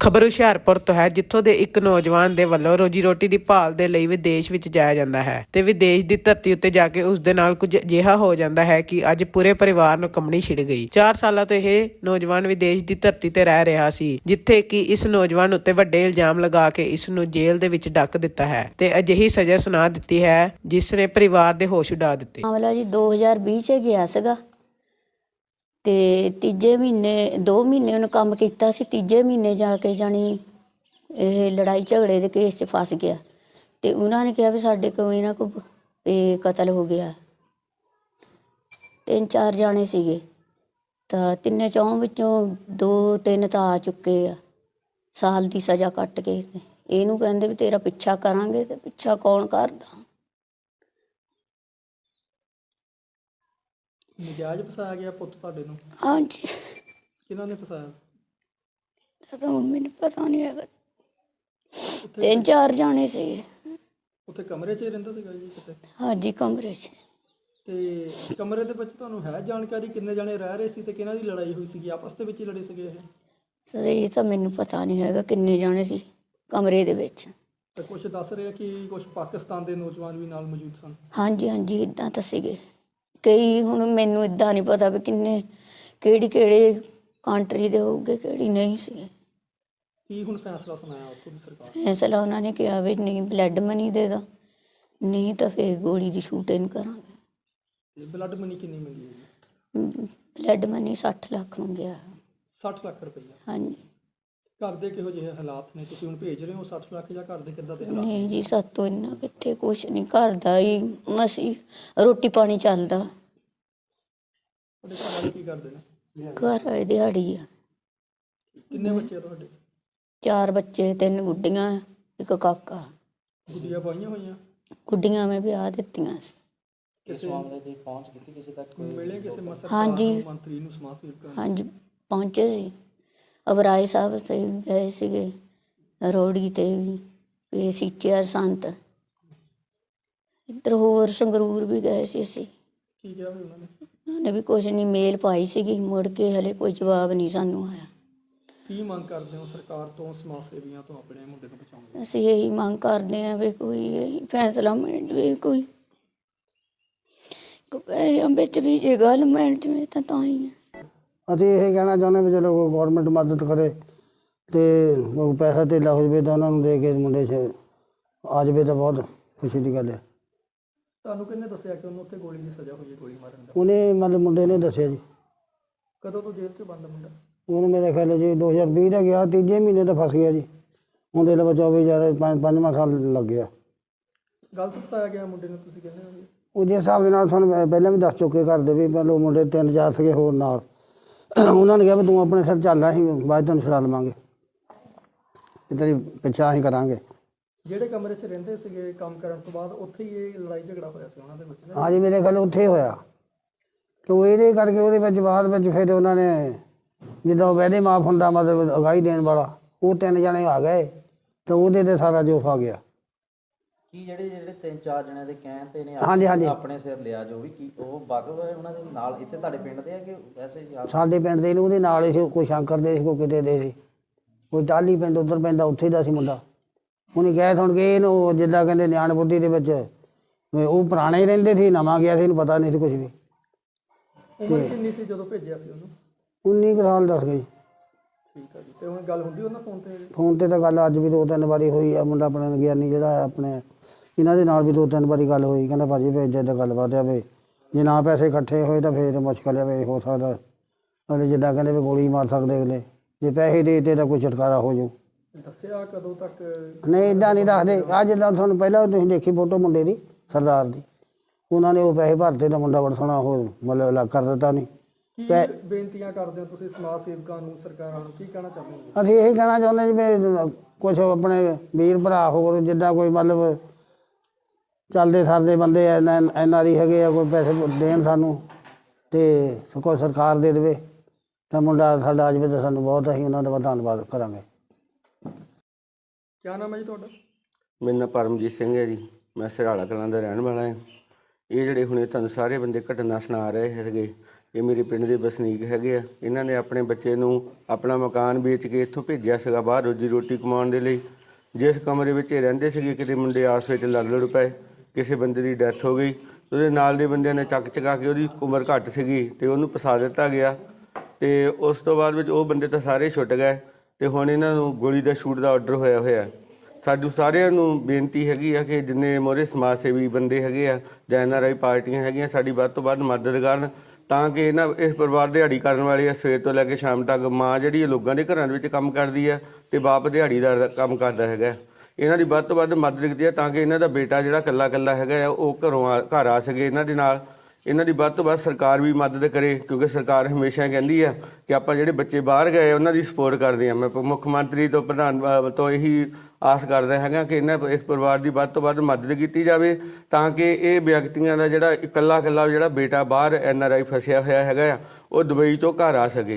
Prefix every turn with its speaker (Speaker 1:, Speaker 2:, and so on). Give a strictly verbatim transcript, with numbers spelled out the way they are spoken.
Speaker 1: ਖਬਰ ਹੁਸ਼ਿਆਰਪੁਰ ਤੋਂ ਹੈ, ਜਿੱਥੋਂ ਦੇ ਇੱਕ ਨੌਜਵਾਨ ਦੇ ਵੱਲੋਂ ਰੋਜੀ ਰੋਟੀ ਦੀ ਭਾਲ ਦੇ ਲਈ ਵਿਦੇਸ਼ ਵਿੱਚ ਜਾਇਆ ਜਾਂਦਾ ਹੈ ਤੇ ਵਿਦੇਸ਼ ਦੀ ਧਰਤੀ ਉੱਤੇ ਜਾ ਕੇ ਉਸ ਦੇ ਨਾਲ ਕੁਝ ਅਜਿਹਾ ਹੋ ਜਾਂਦਾ ਹੈ ਕਿ ਅੱਜ ਪੂਰੇ ਪਰਿਵਾਰ ਨੂੰ ਕੰਬਣੀ ਛਿੜ ਗਈ। ਚਾਰ ਸਾਲਾਂ ਤੋਂ ਇਹ ਨੌਜਵਾਨ ਵਿਦੇਸ਼ ਦੀ ਧਰਤੀ ਤੇ ਰਹਿ ਰਿਹਾ ਸੀ, ਜਿੱਥੇ ਕਿ ਇਸ ਨੌਜਵਾਨ ਉੱਤੇ ਵੱਡੇ ਇਲਜ਼ਾਮ ਲਗਾ ਕੇ ਇਸ ਨੂੰ ਜੇਲ੍ਹ ਦੇ ਵਿੱਚ ਡੱਕ ਦਿੱਤਾ ਹੈ ਤੇ ਅਜਿਹੀ ਸਜ਼ਾ ਸੁਣਾ ਦਿੱਤੀ ਹੈ ਜਿਸ ਨੇ ਪਰਿਵਾਰ ਦੇ ਹੋਸ਼ ਉਡਾ ਦਿੱਤੇ।
Speaker 2: ਮਾਮਲਾ ਜੀ ਦੋ ਹਜ਼ਾਰ ਵੀਹ 'ਚ ਗਿਆ ਸੀਗਾ ਤੇ ਤੀਜੇ ਮਹੀਨੇ ਦੋ ਮਹੀਨੇ ਉਹਨੇ ਕੰਮ ਕੀਤਾ ਸੀ। ਤੀਜੇ ਮਹੀਨੇ ਜਾ ਕੇ ਜਾਣੀ ਇਹ ਲੜਾਈ ਝਗੜੇ ਦੇ ਕੇਸ 'ਚ ਫਸ ਗਿਆ ਤੇ ਉਹਨਾਂ ਨੇ ਕਿਹਾ ਵੀ ਸਾਡੇ ਕੋਲ ਇਹਨਾਂ ਕੋ ਇਹ ਕਤਲ ਹੋ ਗਿਆ। ਤਿੰਨ ਚਾਰ ਜਾਣੇ ਸੀਗੇ ਤਾਂ ਤਿੰਨੇ ਚੌਂ ਵਿੱਚੋਂ ਦੋ ਤਿੰਨ ਤਾਂ ਆ ਚੁੱਕੇ ਆ, ਸਾਲ ਦੀ ਸਜ਼ਾ ਕੱਟ ਕੇ। ਇਹਨੂੰ ਕਹਿੰਦੇ ਵੀ ਤੇਰਾ ਪਿੱਛਾ ਕਰਾਂਗੇ ਤੇ ਪਿੱਛਾ ਕੌਣ ਕਰਦਾ।
Speaker 3: ਨਜਾਇਜ਼ ਫਸਾਇਆ ਗਿਆ ਪੁੱਤ ਤੁਹਾਡੇ ਨੂੰ?
Speaker 2: ਹਾਂਜੀ।
Speaker 3: ਕਿਹਨਾਂ ਨੇ ਫਸਾਇਆ?
Speaker 2: ਤਾਂ ਹੁਣ ਮੈਨੂੰ ਪਤਾ ਨਹੀਂ ਹੈਗਾ। ਤਿੰਨ ਚਾਰ ਜਾਣੇ ਸੀ।
Speaker 3: ਉੱਥੇ ਕਮਰੇ 'ਚ ਹੀ ਰਹਿੰਦਾ ਸੀਗਾ ਜੀ ਕਿਤੇ?
Speaker 2: ਹਾਂਜੀ, ਕਮਰੇ 'ਚ।
Speaker 3: ਤੇ ਕਮਰੇ ਦੇ ਵਿੱਚ ਤੁਹਾਨੂੰ ਹੈ ਜਾਣਕਾਰੀ ਕਿੰਨੇ ਜਾਣੇ ਰਹਿ ਰਹੇ ਸੀ ਤੇ ਕਿਹਨਾਂ ਦੀ ਲੜਾਈ ਹੋਈ ਸੀਗੀ? ਆਪਸ ਦੇ ਵਿੱਚ ਹੀ ਲੜੇ ਸੀਗੇ ਇਹ?
Speaker 2: ਸਰ ਇਹ ਤਾਂ ਮੈਨੂੰ ਪਤਾ ਨਹੀਂ ਹੈਗਾ ਕਿੰਨੇ ਜਾਣੇ ਸੀ ਕਮਰੇ ਦੇ ਵਿੱਚ।
Speaker 3: ਤੇ ਕੁਝ ਦੱਸ ਰਹੇ ਕਿ ਕੁਝ ਪਾਕਿਸਤਾਨ ਦੇ ਨੌਜਵਾਨ ਵੀ ਨਾਲ ਮੌਜੂਦ ਸਨ?
Speaker 2: ਹਾਂਜੀ ਹਾਂਜੀ, ਇੱਦਾਂ ਤਾਂ ਸੀਗੇ ਕਈ। ਹੁਣ ਮੈਨੂੰ ਇੱਦਾਂ ਨਹੀਂ ਪਤਾ ਵੀ ਕਿੰਨੇ ਕਿਹੜੀ ਕਿਹੜੇ ਕੰਟਰੀ ਦੇ ਹੋਊਗੇ, ਕਿਹੜੀ ਨਹੀਂ ਸੀ।
Speaker 3: ਕੀ ਹੁਣ ਫੈਸਲਾ ਸੁਣਾਇਆ ਉੱਥੋਂ ਦੀ ਸਰਕਾਰ?
Speaker 2: ਫੈਸਲਾ ਉਹਨਾਂ ਨੇ ਕਿਹਾ ਵੀ ਨਹੀਂ ਬਲੱਡ ਮਨੀ ਦੇ ਦੋ, ਨਹੀਂ ਤਾਂ ਫਿਰ ਗੋਲੀ ਦੀ ਸ਼ੂਟਿੰਗ ਕਰਾਂਗੇ।
Speaker 3: ਬਲੱਡ ਮਨੀ ਕਿੰਨੀ ਮਿਲੀ ਹੈ ਜੀ?
Speaker 2: ਬਲੱਡ ਮਨੀ ਸੱਠ ਲੱਖ ਨੂੰ ਗਿਆ।
Speaker 3: ਸੱਠ ਲੱਖ ਰੁਪਈਆ?
Speaker 2: ਹਾਂਜੀ।
Speaker 3: ਘਰ ਦੇ ਕਿਹੋ ਜਿਹੇ ਹਾਲਾਤ ਨੇ? ਤੁਸੀਂ ਹੁਣ ਭੇਜ ਰਹੇ ਹੋ ਸੱਠ ਲੱਖ ਜਾਂ ਘਰ ਦੇ ਕਿੱਦਾਂ ਦੇ ਹਾਲਾਤ?
Speaker 2: ਨਹੀਂ ਜੀ, ਸਾਤੋਂ ਇੰਨਾ ਕਿੱਥੇ, ਕੁਛ ਨਹੀਂ। ਘਰ ਦਾ ਹੀ ਮਸੀਂ ਰੋਟੀ ਪਾਣੀ ਚੱਲਦਾ।
Speaker 3: ਤੁਹਾਡੇ ਘਰ ਵਾਲੇ ਕੀ ਕਰਦੇ ਨੇ?
Speaker 2: ਘਰ ਵਾਲੇ ਦਿਹਾੜੀ ਆ।
Speaker 3: ਕਿੰਨੇ ਬੱਚੇ ਆ ਤੁਹਾਡੇ?
Speaker 2: ਚਾਰ ਬੱਚੇ, ਤਿੰਨ ਗੁੱਡੀਆਂ, ਇੱਕ ਕਾਕਾ।
Speaker 3: ਗੁੱਡੀਆਂ ਪਾਈਆਂ ਹੋਈਆਂ?
Speaker 2: ਗੁੱਡੀਆਂ ਮੈਂ ਵਿਆਹ ਦਿੱਤੀਆਂ ਸੀ।
Speaker 3: ਕਿਸੇ ਮਾਮਲੇ ਦੀ ਪਹੁੰਚ ਕੀਤੀ ਕਿਸੇ ਤੱਕ? ਮਿਲੇ ਕਿਸੇ ਸਰਕਾਰ
Speaker 2: ਹਾਂਜੀ
Speaker 3: ਮੰਤਰੀ ਨੂੰ, ਸਮਾਜ ਸੇਵਕਾਂ ਨੂੰ?
Speaker 2: ਹਾਂਜੀ ਪਹੁੰਚੇ ਸੀ। ਅਬਰਾਏ ਸਾਹਿਬ ਤੇ ਵੀ ਗਏ ਸੀਗੇ, ਰੋੜੀ ਤੇ ਵੀ, ਇਹ ਸੀਚੇਰ ਸੰਤ, ਇੱਧਰ ਹੋਰ ਸੰਗਰੂਰ ਵੀ ਗਏ ਸੀ ਅਸੀਂ।
Speaker 3: ਕੀ ਕਿਹਾ ਉਹਨਾਂ ਨੇ?
Speaker 2: ਉਹਨਾਂ ਨੇ ਵੀ ਕੁਛ ਨਹੀਂ, ਮੇਲ ਪਾਈ ਸੀਗੀ, ਮੁੜ ਕੇ ਹਲੇ ਕੋਈ ਜਵਾਬ ਨਹੀਂ ਸਾਨੂੰ ਆਇਆ।
Speaker 3: ਕੀ ਮੰਗ ਕਰਦੇ ਹੋ ਸਰਕਾਰ ਤੋਂ, ਸਮਾਜ ਸੇਵੀਆਂ ਤੋਂ, ਆਪਣੇ ਮੁੰਡੇ ਨੂੰ ਬਚਾਉਣ ਲਈ?
Speaker 2: ਅਸੀਂ ਇਹੀ ਮੰਗ ਕਰਦੇ ਹਾਂ ਵੀ ਕੋਈ ਇਹੀ ਫੈਸਲਾ ਮਿਲ ਜਾਵੇ, ਕੋਈ ਪੈਸਿਆਂ ਵਿੱਚ ਵੀ ਜੇ ਗੱਲ ਮਿਲ ਜਾਵੇ ਤਾਂ ਤਾਂ ਹੀ ਹੈ।
Speaker 4: ਅਸੀਂ ਇਹ ਕਹਿਣਾ ਚਾਹੁੰਦੇ ਵੀ ਚਲੋ ਗੌਰਮੈਂਟ ਮਦਦ ਕਰੇ ਅਤੇ ਪੈਸਾ ਧੇਲਾ ਹੋ ਜਾਵੇ ਤਾਂ ਉਹਨਾਂ ਨੂੰ ਦੇ ਕੇ ਮੁੰਡੇ 'ਚ ਆ ਜਾਵੇ ਤਾਂ ਬਹੁਤ ਖੁਸ਼ੀ ਦੀ ਗੱਲ ਹੈ।
Speaker 3: ਤੁਹਾਨੂੰ ਕਿਹਨੇ ਦੱਸਿਆ ਕਿ ਉਹਨੂੰ ਉੱਥੇ ਗੋਲੀ ਦੀ ਸਜ਼ਾ ਹੋਈ ਹੈ, ਗੋਲੀ ਮਾਰਨ ਦਾ?
Speaker 4: ਉਹਨੇ ਮਤਲਬ ਮੁੰਡੇ ਨੇ ਦੱਸਿਆ ਜੀ।
Speaker 3: ਕਦੋਂ ਤੋਂ ਜੇਲ੍ਹ 'ਚ ਬੰਦ ਮੁੰਡਾ?
Speaker 4: ਉਹਨੂੰ ਮੇਰੇ ਖਿਆਲ ਜੀ ਦੋ ਹਜ਼ਾਰ ਵੀਹ ਦਾ ਗਿਆ, ਤੀਜੇ ਮਹੀਨੇ ਤਾਂ ਫਸ ਗਿਆ ਜੀ। ਉਹਦੇ ਲਈ ਚੌਵੀ ਹਜ਼ਾਰ ਪੰਜ ਪੰਜਵਾਂ ਸਾਲ ਲੱਗ ਗਿਆ।
Speaker 3: ਗਲਤ ਫਸਾਇਆ ਗਿਆ ਮੁੰਡੇ ਨੂੰ ਤੁਸੀਂ ਕਹਿੰਦੇ ਹੋ?
Speaker 4: ਉਹਦੇ ਹਿਸਾਬ ਦੇ ਨਾਲ ਤੁਹਾਨੂੰ ਮੈਂ ਪਹਿਲਾਂ ਵੀ ਦੱਸ ਚੁੱਕੇ ਘਰ ਦੇ ਵੀ ਪਹਿਲਾਂ ਮੁੰਡੇ ਤਿੰਨ ਚਾਰ ਸੀਗੇ ਹੋਰ ਨਾਲ। ਉਹਨਾਂ ਨੇ ਕਿਹਾ ਵੀ ਤੂੰ ਆਪਣੇ ਸਿਰ ਚੱਲ, ਅਸੀਂ ਬਾਅਦ ਤੁਹਾਨੂੰ ਛੁਡਾ ਲਵਾਂਗੇ, ਇਹ ਤੇਰੀ ਪਿੱਛਾ ਅਸੀਂ ਕਰਾਂਗੇ।
Speaker 3: ਜਿਹੜੇ ਕਮਰੇ 'ਚ ਰਹਿੰਦੇ ਸੀਗੇ ਕੰਮ ਕਰਨ ਤੋਂ ਬਾਅਦ ਉੱਥੇ ਹੀ ਇਹ ਲੜਾਈ ਝਗੜਾ ਹੋਇਆ ਸੀ ਉਹਨਾਂ ਦੇ ਵਿੱਚ?
Speaker 4: ਹਾਂਜੀ, ਮੇਰੇ ਖਿਆਲ ਉੱਥੇ ਹੀ ਹੋਇਆ। ਅਤੇ ਇਹਦੇ ਕਰਕੇ ਉਹਦੇ ਵਿੱਚ ਬਾਅਦ ਵਿੱਚ ਫਿਰ ਉਹਨਾਂ ਨੇ ਜਿੱਦਾਂ ਉਹ ਵਾਅਦੇ ਮਾਫ ਹੁੰਦਾ, ਮਤਲਬ ਅਗਾਈ ਦੇਣ ਵਾਲਾ, ਉਹ ਤਿੰਨ ਜਣੇ ਆ ਗਏ ਤਾਂ ਉਹਦੇ 'ਤੇ ਸਾਰਾ ਜੋਫ ਆ ਗਿਆ।
Speaker 5: ਕੀ ਜਿਹੜੇ ਜਿਹੜੇ ਤਿੰਨ ਚਾਰ ਜਣਿਆਂ ਦੇ ਕਹਿਣ ਤੇ ਨੇ
Speaker 4: ਹਾਂਜੀ ਹਾਂਜੀ
Speaker 5: ਆਪਣੇ ਸਿਰ ਲਿਆ ਜੋ ਵੀ, ਕੀ ਉਹ ਵਾਕਫ ਹੈ ਉਹਨਾਂ ਦੇ ਨਾਲ? ਇੱਥੇ ਤੁਹਾਡੇ ਪਿੰਡ ਦੇ ਆ ਕਿ ਵੈਸੇ ਹੀ?
Speaker 4: ਸਾਡੇ ਪਿੰਡ ਦੇ ਨੂੰ ਉਹਦੇ ਨਾਲ ਹੀ ਸੀ, ਕੋਈ ਸ਼ੰਕਰ ਦੇ ਸੀ, ਕੋਈ ਕਿਤੇ ਦੇ ਸੀ, ਕੋਈ ਟਾਹਲੀ ਪਿੰਡ ਉੱਧਰ ਪੈਂਦਾ, ਉੱਥੇ ਦਾ ਸੀ ਮੁੰਡਾ। ਉਹਨੇ ਕਿਹਾ ਸੁਣ ਕੇ ਇਹਨੂੰ ਜਿੱਦਾਂ ਕਹਿੰਦੇ ਨਿਆਣ ਬੁੱਧੀ ਦੇ ਵਿੱਚ ਉਹ ਪੁਰਾਣੇ ਹੀ ਰਹਿੰਦੇ ਸੀ, ਨਵਾਂ ਗਿਆ ਸੀ, ਇਹਨੂੰ ਪਤਾ ਨਹੀਂ ਸੀ ਕੁਛ ਵੀ।
Speaker 3: ਉਮਰ ਕਿੰਨੀ ਸੀ ਜਦੋਂ ਭੇਜਿਆ ਸੀ ਉਹਨੂੰ?
Speaker 4: ਉੱਨੀ ਕੁ ਸਾਲ ਦੱਸ ਗਏ।
Speaker 3: ਠੀਕ ਹੈ ਜੀ। ਤੇ ਹੁਣ ਗੱਲ ਹੁੰਦੀ ਉਹਨਾਂ ਫੋਨ 'ਤੇ?
Speaker 4: ਫੋਨ 'ਤੇ ਤਾਂ ਗੱਲ ਅੱਜ ਵੀ ਦੋ ਤਿੰਨ ਵਾਰੀ ਹੋਈ ਆ। ਮੁੰਡਾ ਆਪਣਾ ਗਿਆਨੀ ਜਿਹੜਾ ਆਪਣੇ ਇਹਨਾਂ ਦੇ ਨਾਲ ਵੀ ਦੋ ਤਿੰਨ ਵਾਰੀ ਗੱਲ ਹੋਈ। ਕਹਿੰਦਾ ਭਾਜੀ ਵੀ ਇੱਦਾਂ ਗੱਲਬਾਤ ਆ ਵੀ ਜੇ ਨਾ ਪੈਸੇ ਇਕੱਠੇ ਹੋਏ ਤਾਂ ਫਿਰ ਮੁਸ਼ਕਿਲ ਆ, ਵੀ ਹੋ ਸਕਦਾ ਅਗਲੇ ਜਿੱਦਾਂ ਕਹਿੰਦੇ ਵੀ ਗੋਲੀ ਮਾਰ ਸਕਦੇ ਅਗਲੇ, ਜੇ ਪੈਸੇ ਦੇ ਦਿੱਤੇ ਤਾਂ ਕੋਈ ਛੁਟਕਾਰਾ ਹੋ ਜਾਊ।
Speaker 3: ਦੱਸਿਆ ਕਦੋਂ ਤੱਕ?
Speaker 4: ਨਹੀਂ ਇੱਦਾਂ ਨਹੀਂ ਦੱਸਦੇ। ਆਹ ਜਿੱਦਾਂ ਤੁਹਾਨੂੰ ਪਹਿਲਾਂ ਤੁਸੀਂ ਦੇਖੀ ਫੋਟੋ ਮੁੰਡੇ ਦੀ ਸਰਦਾਰ ਦੀ, ਉਹਨਾਂ ਨੇ ਉਹ ਪੈਸੇ ਭਰਤੇ ਤਾਂ ਮੁੰਡਾ ਬੜਾ ਸੋਹਣਾ ਉਹ ਮਤਲਬ ਅਲੱਗ ਕਰ ਦਿੱਤਾ। ਨਹੀਂ
Speaker 3: ਕੀ ਬੇਨਤੀਆਂ ਕਰਦੇ ਹੋ ਤੁਸੀਂ ਸਮਾਜ ਸੇਵਕਾਂ ਨੂੰ, ਸਰਕਾਰਾਂ ਨੂੰ, ਕੀ ਕਹਿਣਾ ਚਾਹੁੰਦੇ ਹੋ?
Speaker 4: ਅਸੀਂ ਇਹੀ ਕਹਿਣਾ ਚਾਹੁੰਦੇ ਜਿਵੇਂ ਕੁਛ ਆਪਣੇ ਵੀਰ ਭਰਾ ਹੋਰ ਜਿੱਦਾਂ ਕੋਈ ਮਤਲਬ ਚੱਲਦੇ ਸਰਦੇ ਬੰਦੇ ਐਨ ਐਨ ਆਰ ਆਈ ਹੈਗੇ ਆ, ਕੋਈ ਪੈਸੇ ਦੇਣ ਸਾਨੂੰ ਅਤੇ ਕੋਈ ਸਰਕਾਰ ਦੇ ਦੇਵੇ ਤਾਂ ਮੁੰਡਾ ਸਾਡਾ ਆ ਜਾਵੇ ਤਾਂ ਸਾਨੂੰ ਬਹੁਤ, ਅਸੀਂ ਉਹਨਾਂ ਦਾ ਧੰਨਵਾਦ ਕਰਾਂਗੇ।
Speaker 3: ਕਿਆ ਨਾਮ ਹੈ ਜੀ ਤੁਹਾਡਾ?
Speaker 6: ਮੇਰਾ ਨਾਮ ਪਰਮਜੀਤ ਸਿੰਘ ਹੈ ਜੀ। ਮੈਂ ਸਿਰਾਲਾ ਕਲਾਂ ਦਾ ਰਹਿਣ ਵਾਲਾ ਹਾਂ। ਇਹ ਜਿਹੜੇ ਹੁਣੇ ਤੁਹਾਨੂੰ ਸਾਰੇ ਬੰਦੇ ਘਟਨਾ ਸੁਣਾ ਰਹੇ ਸੀਗੇ, ਇਹ ਮੇਰੇ ਪਿੰਡ ਦੇ ਵਸਨੀਕ ਹੈਗੇ ਆ। ਇਹਨਾਂ ਨੇ ਆਪਣੇ ਬੱਚੇ ਨੂੰ ਆਪਣਾ ਮਕਾਨ ਵੇਚ ਕੇ ਇੱਥੋਂ ਭੇਜਿਆ ਸੀਗਾ ਬਾਹਰ ਰੋਜੀ ਰੋਟੀ ਕਮਾਉਣ ਦੇ ਲਈ। ਜਿਸ ਕਮਰੇ ਵਿੱਚ ਇਹ ਰਹਿੰਦੇ ਸੀਗੇ, ਕਿਤੇ ਮੁੰਡੇ ਆਸ ਵਿੱਚ ਲੜ ਲੜ ਪਏ, ਕਿਸੇ ਬੰਦੇ ਦੀ ਡੈਥ ਹੋ ਗਈ। ਉਹਦੇ ਨਾਲ ਦੇ ਬੰਦਿਆਂ ਨੇ ਚੱਕ ਚਕਾ ਕੇ, ਉਹਦੀ ਉਮਰ ਘੱਟ ਸੀਗੀ ਤੇ ਉਹਨੂੰ ਫਸਾ ਦਿੱਤਾ ਗਿਆ। ਤੇ ਉਸ ਤੋਂ ਬਾਅਦ ਵਿੱਚ ਉਹ ਬੰਦੇ ਤਾਂ ਸਾਰੇ ਛੁੱਟ ਗਏ ਤੇ ਹੁਣ ਇਹਨਾਂ ਨੂੰ ਗੋਲੀ ਦਾ ਸ਼ੂਟ ਦਾ ਆਰਡਰ ਹੋਇਆ ਹੋਇਆ। ਸਾਨੂੰ ਸਾਰਿਆਂ ਨੂੰ ਬੇਨਤੀ ਹੈਗੀ ਆ ਕਿ ਜਿੰਨੇ ਮੋਹਰੇ ਸਮਾਜ ਸੇਵੀ ਬੰਦੇ ਹੈਗੇ ਆ ਜਾਂ ਐਨ ਆਰ ਆਈ ਪਾਰਟੀਆਂ ਹੈਗੀਆਂ, ਸਾਡੀ ਵੱਧ ਤੋਂ ਵੱਧ ਮਦਦ ਕਰਨ ਤਾਂ ਕਿ ਇਹਨਾਂ ਇਸ ਪਰਿਵਾਰ ਦਿਹਾੜੀ ਕਰਨ ਵਾਲੇ ਆ। ਸਵੇਰ ਤੋਂ ਲੈ ਕੇ ਸ਼ਾਮ ਤੱਕ ਮਾਂ ਜਿਹੜੀ ਇਹ ਲੋਕਾਂ ਦੇ ਘਰਾਂ ਦੇ ਵਿੱਚ ਕੰਮ ਕਰਦੀ ਆ ਤੇ ਬਾਪ ਦਿਹਾੜੀਦਾਰ ਦਾ ਕੰਮ ਕਰਦਾ ਹੈਗਾ। ਇਹਨਾਂ ਦੀ ਵੱਧ ਤੋਂ ਵੱਧ ਮਦਦ ਕੀਤੀ ਆ ਤਾਂ ਕਿ ਇਹਨਾਂ ਦਾ ਬੇਟਾ ਜਿਹੜਾ ਇਕੱਲਾ ਇਕੱਲਾ ਹੈਗਾ ਆ ਉਹ ਘਰੋਂ ਆ ਘਰ ਆ ਸਕੇ ਇਹਨਾਂ ਦੇ ਨਾਲ। ਇਹਨਾਂ ਦੀ ਵੱਧ ਤੋਂ ਵੱਧ ਸਰਕਾਰ ਵੀ ਮਦਦ ਕਰੇ, ਕਿਉਂਕਿ ਸਰਕਾਰ ਹਮੇਸ਼ਾ ਕਹਿੰਦੀ ਆ ਕਿ ਆਪਾਂ ਜਿਹੜੇ ਬੱਚੇ ਬਾਹਰ ਗਏ ਉਹਨਾਂ ਦੀ ਸਪੋਰਟ ਕਰਦੇ ਹਾਂ। ਮੈਂ ਮੁੱਖ ਮੰਤਰੀ ਤੋਂ ਪ੍ਰਧਾਨ ਤੋਂ ਇਹੀ ਆਸ ਕਰਦਾ ਹੈਗਾ ਕਿ ਇਹਨਾਂ ਇਸ ਪਰਿਵਾਰ ਦੀ ਵੱਧ ਤੋਂ ਵੱਧ ਮਦਦ ਕੀਤੀ ਜਾਵੇ ਤਾਂ ਕਿ ਇਹ ਵਿਅਕਤੀਆਂ ਦਾ ਜਿਹੜਾ ਇਕੱਲਾ ਇਕੱਲਾ ਜਿਹੜਾ ਬੇਟਾ ਬਾਹਰ ਐਨ ਆਰ ਆਈ ਫਸਿਆ ਹੋਇਆ ਹੈਗਾ ਆ ਉਹ ਦੁਬਈ ਤੋਂ ਘਰ ਆ ਸਕੇ।